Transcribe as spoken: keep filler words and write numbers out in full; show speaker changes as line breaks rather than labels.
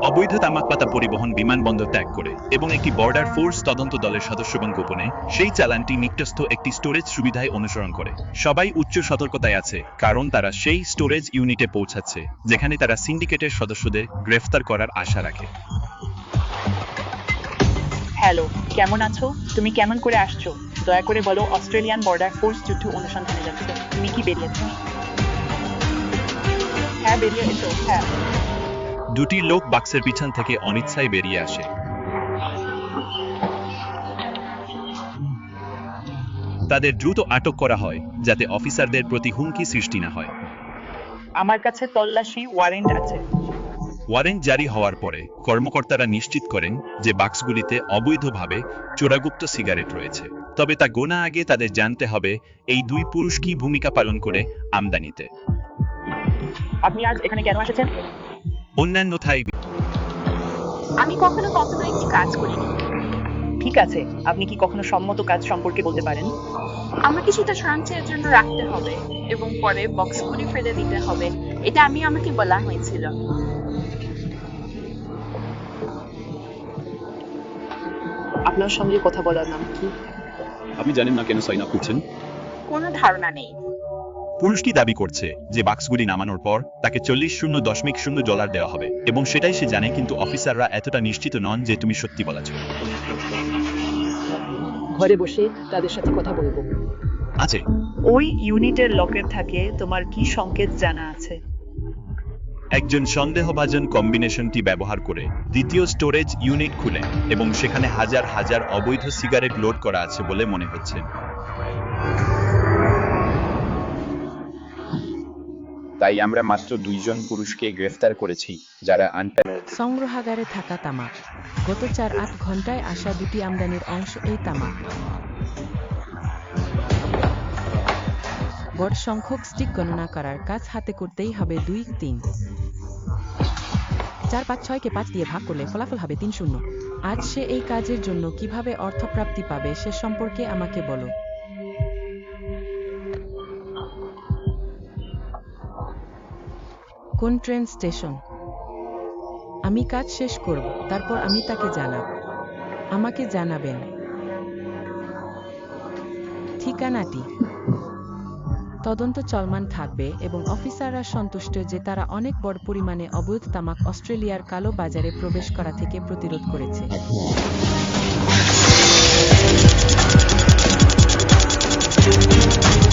অবৈধ তামাক পাতা পরিবহন বিমানবন্দর ত্যাগ করে এবং একটি বর্ডার ফোর্স তদন্ত দলের সদস্যগণ গোপনে সেই চালানটি নিকটস্থ একটি স্টোরেজ সুবিধায় অনুসরণ করে। সবাই উচ্চ সতর্কতায় আছে, কারণ তারা সেই স্টোরেজ ইউনিটে পৌঁছাচ্ছে যেখানে তারা সিন্ডিকেটের সদস্যদের গ্রেফতার করার আশা রাখে।
হ্যালো, কেমন আছো? তুমি কেমন করে আসছো? দয়া করে বলো। অস্ট্রেলিয়ান বর্ডার ফোর্স যুদ্ধ অনুসন্ধানে যাচ্ছে। তুমি কি বেরিয়েছো? হ্যাঁ, বেরিয়ে এসো। হ্যাঁ।
দুটি লোক বাক্সের পিছন থেকে অনিচ্ছায় বেরিয়ে আসে। তাদের দ্রুত আটক করা হয় যাতে অফিসারদের প্রতি হুমকি সৃষ্টি না হয়।
আমার কাছে তল্লাশি ওয়ারেন্ট আছে।
ওয়ারেন্ট জারি হওয়ার পরে কর্মকর্তারা নিশ্চিত করেন যে বাক্সগুলিতে অবৈধভাবে চোরাগুপ্ত সিগারেট রয়েছে। তবে তা গোনা আগে তাদের জানতে হবে এই দুই পুরুষ কি ভূমিকা পালন করে আমদানিতে।
আপনি আজ এখানে কেন এসেছেন?
অন্যান্য থাই
আমি কখনো কখনো একটি কাজ করিনি।
ঠিক আছে, আপনি কি কখনো সম্মত কাজ সম্পর্কে বলতে পারেন?
আমাকে সেটা সঞ্চয়ের জন্য রাখতে হবে এবং পরে বক্স খুলে ফেলে দিতে হবে। এটা আমি আমাকে বলা হয়েছিল।
আপনার সঙ্গে কথা বলার নাম কি?
আপনি জানেন না কেন সাইন আপ করছেন?
কোনো ধারণা নেই।
পুরুষটি দাবি করছে যে বাক্সগুলি নামানোর পর তাকে চল্লিশ শূন্য দশমিক শূন্য ডলার দেওয়া হবে এবং সেটাই সে জানে, কিন্তু অফিসাররা এতটা নিশ্চিত নন যে তুমি সত্যি বলেছ।
ঘরে বসে তাদের সাথে কথা বলবো।
আছে।
ওই ইউনিটের লকের থাকে তোমার কি সংকেত জানা আছে?
একজন সন্দেহভাজন কম্বিনেশনটি ব্যবহার করে দ্বিতীয় স্টোরেজ ইউনিট খুলেন এবং সেখানে হাজার হাজার অবৈধ সিগারেট লোড করা আছে বলে মনে হচ্ছে।
তাই আমরা মাত্র দুইজন পুরুষকে গ্রেফতার করেছি যারা আনপ্যাক
সংগ্রহাগারে থাকা তামাক। গত চার আট ঘন্টায় আসা দুটি আমদানির অংশ এই তামাক। বড় সংখ্যক স্টিক গণনা করার কাজ হাতে করতেই হবে। দুই তিন চার পাঁচ ছয়কে পাঁচ দিয়ে ভাগ করলে ফলাফল হবে তিন শূন্য। আজ সে এই কাজের জন্য কিভাবে অর্থপ্রাপ্তি পাবে সে সম্পর্কে আমাকে বলো। কোন ট্রেন স্টেশন? আমি কাজ শেষ করব, তারপর আমি তাকে জানাব। আমাকে জানাবেন ঠিকানাটি। তদন্ত চলমান থাকবে এবং অফিসাররা সন্তুষ্ট যে তারা অনেক বড় পরিমাণে অবৈধ তামাক অস্ট্রেলিয়ার কালো বাজারে প্রবেশ করা থেকে প্রতিরোধ করেছে।